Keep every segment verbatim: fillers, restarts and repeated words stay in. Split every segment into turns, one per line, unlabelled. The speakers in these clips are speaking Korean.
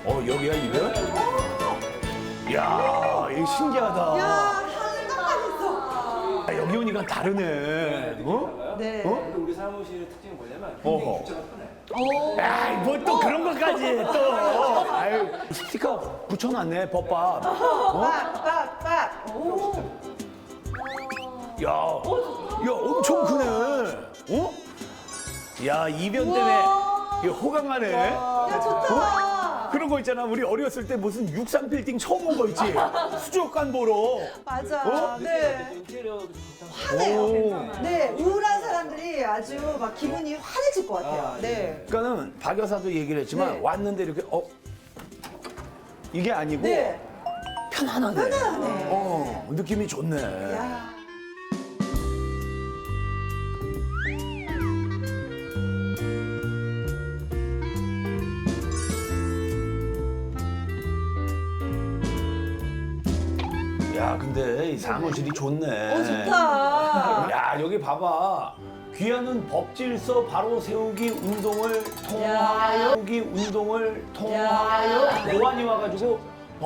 어, 여기야, 이거? 야, 이거 신기하다.
야, 한강까지 있어.
아, 여기 오니까 다르네. 어?
네.
어?
우리 사무실의 특징이 뭐냐면
어허.
굉장히 입자가 편해.
오.
야, 뭐 또 그런 것까지 또. 아유, 스티커 붙여놨네, 법밥. 어?
빡, 빡, 빡. 오.
야, 야, 엄청 크네. 어? 야, 이변 때문에 이거 호강하네.
야, 좋다.
그런 거 있잖아. 우리 어렸을 때 무슨 육삼 빌딩 처음 온 거 있지? 수족관 보러.
맞아.
어?
네.
인테리어도 좋다.
화내요. 네, 우울한 사람들이 아주 막 기분이 환해질 것 같아요.
아,
네.
그러니까는 박 여사도 얘기를 했지만
네.
왔는데 이렇게 어 이게 아니고
네.
편안하네.
편안하네.
어, 느낌이 좋네.
야.
야, 근데 이 사무실이 좋네.
어, 좋다.
야, 여기 봐봐. 귀하는 법질서 바로 세우기 운동을 통하여 세우기 운동을 통하여 노안이 와가지고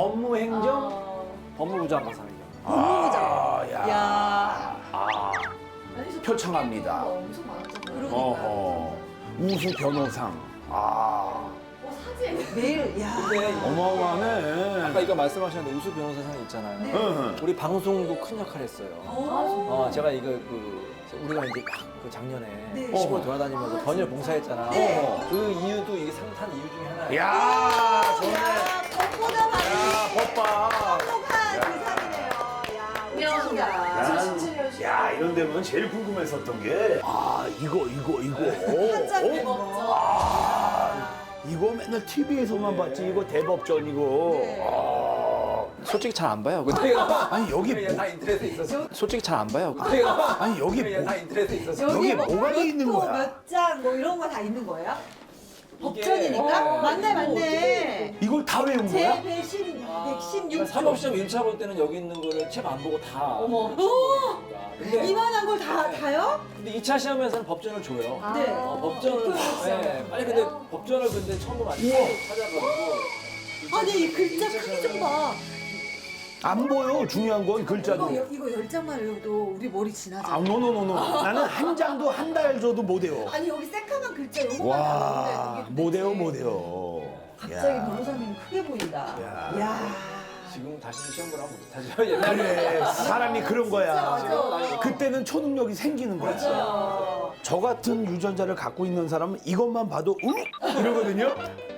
법무행정
법무부 장관 상이죠.
아, 야.
야.
아, 표창합니다.
엄청 많았죠.
그러니까.
어허. 우수 변호상. 아,
어, 사진.
매일, 야.
근데
어마어마하네.
아까 이거 말씀하셨는데 우수 변호사상 있잖아요.
네.
응.
우리 방송도 큰 역할 했어요.
오.
어, 제가 이거 그 우리가 이제 막 그 작년에
네.
시골 돌아다니면서 번역 봉사했잖아.
네.
어, 그 이유도 이게 상탄 이유 중에 하나예요.
야, 좋네.
야, 법보다 많이
야, 법밥.
행복한 세상이네요. 야, 멋지다.
이천십칠 년
야, 이런 데면 제일 궁금했었던 게, 아, 이거, 이거, 이거.
한장
어?
대법전.
아, 이거 맨날 티비에서만 봤지, 이거 대법전이고.
네.
아,
솔직히 잘 안 봐요. 근데
아니, 여기 뭐,
다 인터넷에 있었어. 솔직히 잘 안 봐요. 근데
아니, 여기 뭐,
다 인터넷에 있었어.
여기 뭐가 돼 있는
몇
거야?
호, 몇 장, 뭐 이런 거 다 있는 거예요?
이게-
법전이니까?
어,
맞네, 맞네.
이걸 다 외운
제
거야?
백십, 백십육 조.
사법시험 일 차 볼 때는 여기 있는 거를 책 안 보고 다.
어머.
근데,
이만한 걸 다, 다요?
근데 이 차 시험에서는 법전을 줘요.
아,
네.
어, 법전을. 네. 아니 근데 법전을 근데 처음 보면 안 돼. 찾아가지고.
아니, 이 글자 크기 좀 봐.
안 보여, 중요한 건
이거,
글자도.
여- 이거 열 장만 외워도 우리 머리 지나잖아.
아, 노노노노. 나는 한 장도 한 달 줘도 못 외워.
아니, 여기 새까만 글자 요거만
와,
나오는데 이게
못 외워,
도대체
못 외워.
갑자기
야.
변호사님 크게 보인다.
야.
야.
지금 다시 시험 보라면 못하죠. 옛날에.
그래, 사람이 그런 거야.
맞아.
그때는 초능력이 생기는 거야.
어.
저 같은 유전자를 갖고 있는 사람은 이것만 봐도 응? 이러거든요.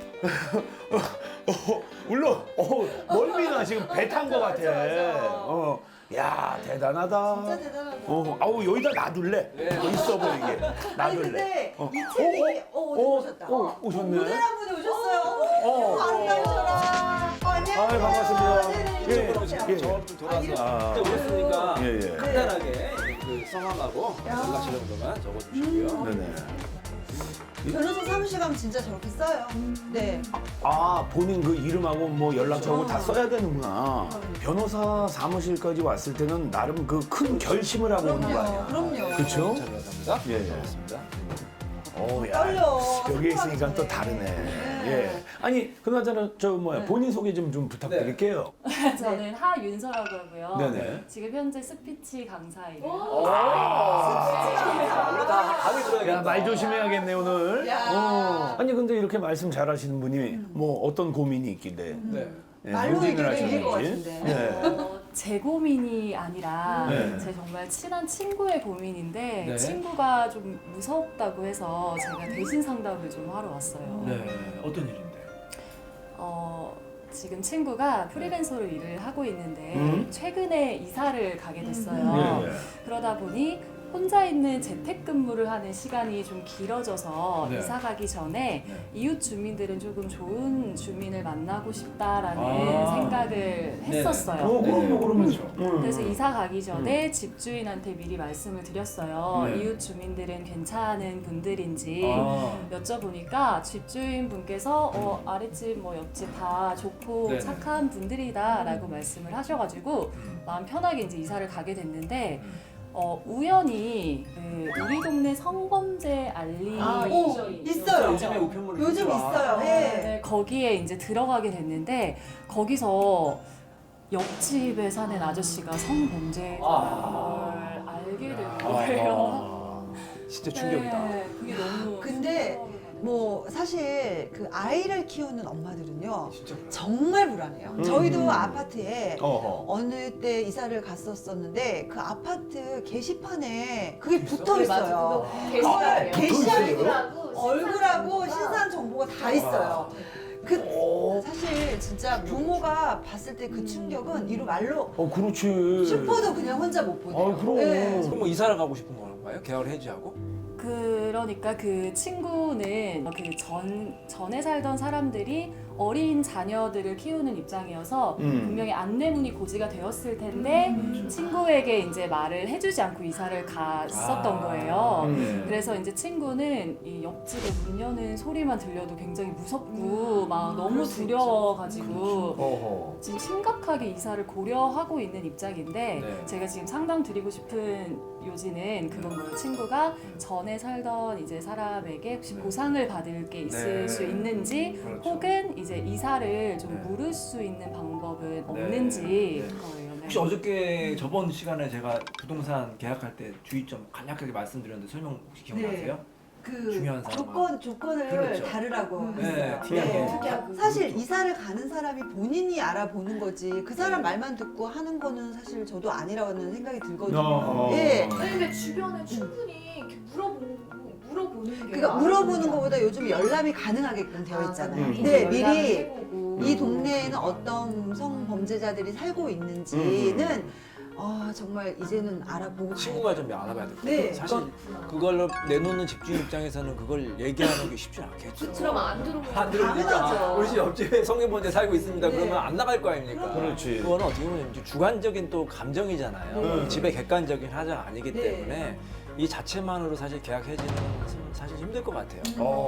어, 물론 어, 멀미나 지금 배 탄 거 같아. 어, 야 대단하다.
진짜 대단하다.
어, 아우 여기다 놔둘래.
네.
어, 있어 보이게
아니
놔둘래.
근데
어.
이 책이 어, 어디
어,
오셨다.
어, 오셨네.
모델 한 분이 오셨어요.
어.
어머, 아름다우셔라. 어, 안녕하세요.
아이, 반갑습니다.
네네,
예,
이쪽으로
예.
오세요.
저한테 돌아서
아.
그때 오셨으니까
예, 예.
간단하게 그 성함하고 연락처 정도만 적어주시고요.
네네.
변호사 사무실 가면 진짜 저렇게 써요. 네.
아 본인 그 이름하고 뭐 연락처하고 다 써야 되는구나.
음.
변호사 사무실까지 왔을 때는 나름 그 큰 결심을 하고 오는 거 아니야.
그럼요.
그렇죠?
잘 감사합니다.
예, 예.
고맙습니다.
어,
떨려.
여기 있으니까 또
생각하기
다르네.
전에.
예. 아니, 그나저나 저 뭐야 본인 소개 좀 좀 부탁드릴게요.
저는 하윤서라고 하고요.
네네.
지금 현재 스피치 강사이에요.
우리 다 감이 들어야겠다.
야, 말 조심해야겠네 오늘.
야.
어. 아니 근데 이렇게 말씀 잘하시는 분이 뭐 어떤 고민이 있길래
네.
예,
말로
문진을
얘기를 이길 것
하시는지.
같은데.
예.
어, 제 고민이 아니라
네.
제 정말 친한 친구의 고민인데
네.
친구가 좀 무섭다고 해서 제가 대신 상담을 좀 하러 왔어요.
네. 어떤 일인데?
어, 지금 친구가 프리랜서로 일을 하고 있는데
음.
최근에 이사를 가게 됐어요.
예, 예.
그러다 보니 혼자 있는 재택근무를 하는 시간이 좀 길어져서
네.
이사 가기 전에
네.
이웃 주민들은 조금 좋은 주민을 만나고 싶다라는
아.
생각을 했었어요.
어, 그럼요, 그럼요. 음.
그래서 이사 가기 전에 집주인한테 미리 말씀을 드렸어요.
네.
이웃 주민들은 괜찮은 분들인지
아.
여쭤보니까 집주인 분께서 어, 아랫집 뭐 옆집 다 좋고
네.
착한 분들이다라고 말씀을 하셔가지고 마음 편하게 이제 이사를 가게 됐는데 어, 우연히 그 우리 동네 성범죄 알리
아,
오,
있어,
있어요.
요즘에 우편물이
요즘
있죠.
있어요.
아,
예.
네, 거기에 이제 들어가게 됐는데 거기서 옆집에 사는 아저씨가 성범죄자인
아.
걸 알게 된 거예요.
진짜 충격이다.
네, 그게 너무
근데
충격이
뭐 사실 그 아이를 키우는 엄마들은요
진짜 그래요.
정말 불안해요.
음.
저희도 아파트에
어허.
어느 때 이사를 갔었었는데 그 아파트 게시판에 그게 붙어
네, 맞아.
있어요.
그거
게시판에
게시판이에요.
게시판에 얼굴하고 신상 정보가 다 있어요. 그 사실 진짜 부모가 봤을 때 그 충격은 이루 말로
어, 그렇지.
슈퍼도 그냥 혼자 못 보내요.
아, 그럼.
네.
그럼 뭐 이사를 가고 싶은 건가요? 계약을 해지하고?
그러니까 그 친구는 그 전, 전에 살던 사람들이 어린 자녀들을 키우는 입장이어서
음.
분명히 안내문이 고지가 되었을 텐데 친구에게 이제 말을 해주지 않고 이사를 갔었던
아.
거예요.
음.
그래서 이제 친구는 이 옆집에 문 여는 소리만 들려도 굉장히 무섭고 막 너무
그럴 수
두려워가지고
어허.
지금 심각하게 이사를 고려하고 있는 입장인데
네.
제가 지금 상담 드리고 싶은 요지는 그건 거예요. 친구가 전에 살던 이제 사람에게 혹시
네.
보상을 받을 게 있을
네.
수 있는지
그렇죠.
혹은 이제 이사를 좀
네.
물을 수 있는 방법은 없는지
네.
거예요. 네.
혹시 어저께 저번 시간에 제가 부동산 계약할 때 주의점 간략하게 말씀드렸는데 설명 혹시 기억나세요?
그
중요한 사람은.
조건 조건을
그렇죠.
다르라고
네,
했어요.
특이하게.
네. 사실 이사를 가는 사람이 본인이 알아보는 거지 그 사람 말만 듣고 하는 거는 사실 저도 아니라는 생각이 들거든요.
어.
예.
아니 근데 주변에 충분히 이렇게 물어보는 물어보는 게
그러니까
많아요.
물어보는 것보다 요즘 열람이 가능하게끔 되어 있잖아요.
음.
근데 미리
해보고.
이 동네에는 어떤 성범죄자들이 살고 있는지는 아 정말 이제는 알아보고 가야
친구가 좀 알아봐야 될 것 같아요.
네.
사실 그걸로 내놓는 집주인 입장에서는 그걸 얘기하는 게 쉽지 않겠죠.
그러면 안 들어오면
안 들어오니까
당연하죠.
우리 집 옆집에 성인범죄 살고 있습니다.
네.
그러면 안 나갈 거 아닙니까?
그렇지.
그거는 어떻게 보면 이제 주관적인 또 감정이잖아요.
네.
집의 객관적인 하자가 아니기
네.
때문에 이 자체만으로 사실 계약 해지는 사실 힘들 것 같아요.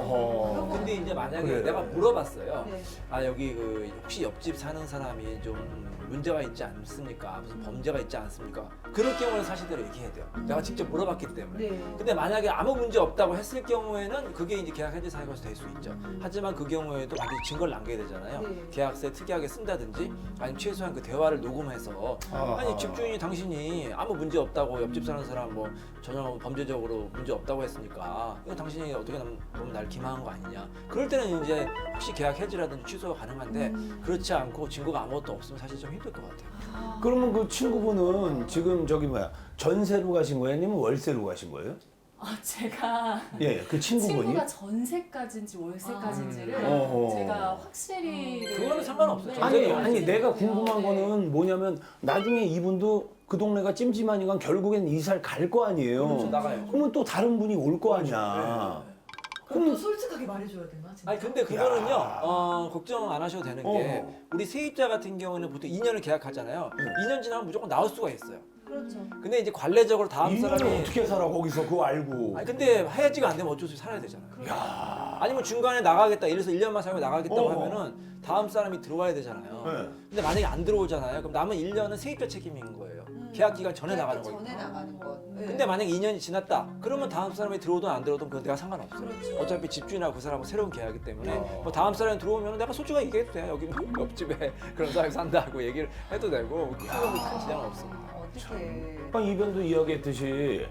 어허.
근데 이제 만약에
그래요.
내가 물어봤어요.
네.
아 여기 그 혹시 옆집 사는 사람이 좀 문제가 있지 않습니까? 무슨 범죄가 있지 않습니까? 그럴 경우는 사실대로 얘기해야 돼요. 내가 직접 물어봤기 때문에.
네.
근데 만약에 아무 문제 없다고 했을 경우에는 그게 이제 계약 해지 사유가 될 수 있죠. 하지만 그 경우에도 반드시 증거를 남겨야 되잖아요.
네.
계약서에 특이하게 쓴다든지 아니면 최소한 그 대화를 녹음해서
아하.
아니 집주인이 당신이 아무 문제 없다고 옆집 사는 사람 뭐 전혀 범죄적으로 문제 없다고 했으니까 이거 당신이 어떻게 보면 날 기만한 거 아니냐. 그럴 때는 이제 혹시 계약 해지라든지 취소가 가능한데 그렇지 않고 증거가 아무것도 없으면 사실 좀 힘들 것 같아요.
그러면 그 친구분은 지금 저기 뭐야 전세로 가신 거예요? 아니면 월세로 가신 거예요?
아 제가
예, 그 친구분이.
친구가 전세까지인지 월세까지인지를
아. 어허.
제가 확실히
그거는 상관없어요.
네.
아니
전세로
아니 내가 궁금한
네.
거는 뭐냐면 나중에 이분도 그 동네가 찜찜하니까 결국엔 이사를 갈 거 아니에요.
그렇죠, 나가요.
그러면 또 다른 분이 올 거 아니야.
그럼 또 솔직하게 말해줘야 되나? 진짜?
아니 근데 그거는요 어, 걱정 안 하셔도 되는 게
어.
우리 세입자 같은 경우는 보통 이 년을 계약하잖아요. 이 년 지나면 무조건 나올 수가 있어요.
그렇죠.
근데 이제 관례적으로 다음
이 년을
사람이
어떻게 살아 거기서 그거 알고.
아니 근데 해지가 안 되면 어쩔 수 없이 살아야 되잖아요. 아니면 중간에 나가겠다. 예를 들어서 일 년만 살고 나가겠다고
어.
하면은 다음 사람이 들어와야 되잖아요.
네.
근데 만약에 안 들어오잖아요. 그럼 남은 일 년은 세입자 책임인 거예요. 계약 기간 전에 나가는 거예요.
전에 나가는 거. 네.
근데 만약에 이 년이 지났다. 그러면 다음 사람이 들어오든 안 들어오든 그건 내가 상관없어요.
그렇죠.
어차피 집주인하고 그 사람은 새로운 계약이기 때문에
어.
뭐 다음 사람이 들어오면 내가 솔직하게 얘기해도 돼요. 여기는 옆집에 그런 사람이 산다고 얘기를 해도 되고 그건 큰 지장은 없습니다.
어떻게?
아까 이변도 이야기했듯이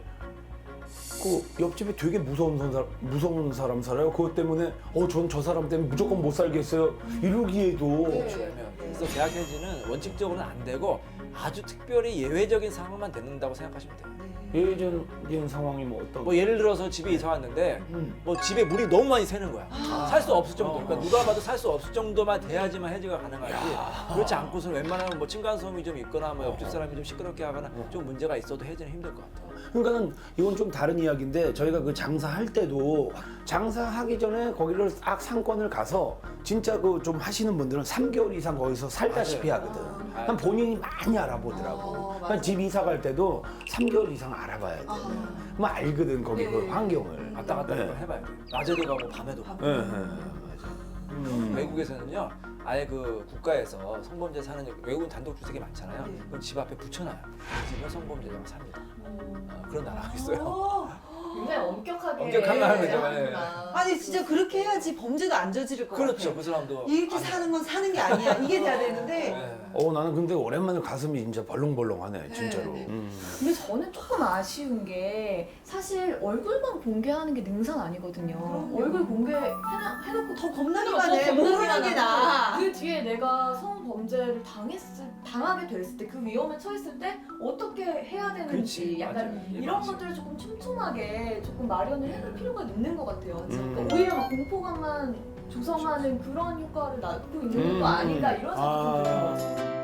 그 옆집에 되게 무서운 사람, 무서운 사람 살아요. 그것 때문에 어, 전 저 사람 때문에 무조건 못 살겠어요. 이러기에도
그러면 그래서 계약 해지는 원칙적으로는 안 되고 아주 특별히 예외적인 상황만 되는다고 생각하시면 돼요.
예전적인 상황이 뭐 어떤?
뭐 예를 들어서 집에 이사 왔는데
음.
뭐 집에 물이 너무 많이 새는 거야. 살 수 없을 정도. 그러니까 누가 봐도 살 수 없을 정도만 돼야지만 해지가 가능하지. 그렇지 않고서는 웬만하면 뭐 층간소음이 좀 있거나 뭐 옆집 사람이 좀 시끄럽게 하거나 좀 문제가 있어도 해지는 힘들 것 같아요.
그러니까는 이건 좀 다른 이야기인데 저희가 그 장사할 때도 장사하기 전에 거기를 딱 상권을 가서 진짜 그 좀 하시는 분들은 삼 개월 이상 거기서 살다시피 하거든. 그냥 본인이 많이 알아보더라고.
어,
그러니까 집 이사 갈 때도 삼 개월 이상 알아봐야 돼. 그럼 알거든 거기 그
네.
환경을.
왔다 갔다
네.
한번 해봐요. 낮에도 가고 밤에도 가고.
예, 예, 예, 맞아. 음.
외국에서는요 아예 그 국가에서 성범죄 사는 외국은 단독 주택이 많잖아요.
네.
그럼 집 앞에 붙여놔요. 이 집은 성범죄자가 삽니다.
어,
어, 그런 나라가 있어요.
어.
굉장히 엄격하게
엄격한 나라죠.
제한하는구나.
아니 진짜 그렇게 해야지 범죄도 안 저지를 것
그렇죠.
같아.
그 사람도
이렇게
안-
사는 건 사는 게 아니야. 이게 돼야 되는데
네.
어 나는 근데 오랜만에 가슴이 진짜 벌렁벌렁하네 진짜로.
네.
음.
근데 저는 조금 아쉬운 게 사실 얼굴만 공개하는 게 능사는 아니거든요.
그럼요.
얼굴 공개해놔, 해놓고
더 겁나기만
더
해.
겁나기만
모르는 게
하고
나아.
그 뒤에 내가 성범죄를 당했을, 당하게 됐을 때 그 위험에 처했을 때 어떻게 해야 되는지
그렇지,
약간
맞아요.
이런
맞아요.
것들을 조금 촘촘하게 조금 마련을 해놓을 필요가 있는 것 같아요.
음.
그러니까 오히려 막 공포감만 조성하는 그런 효과를 낳고 있는 것도
음.
아닌가 이런 생각이
아.
들어요.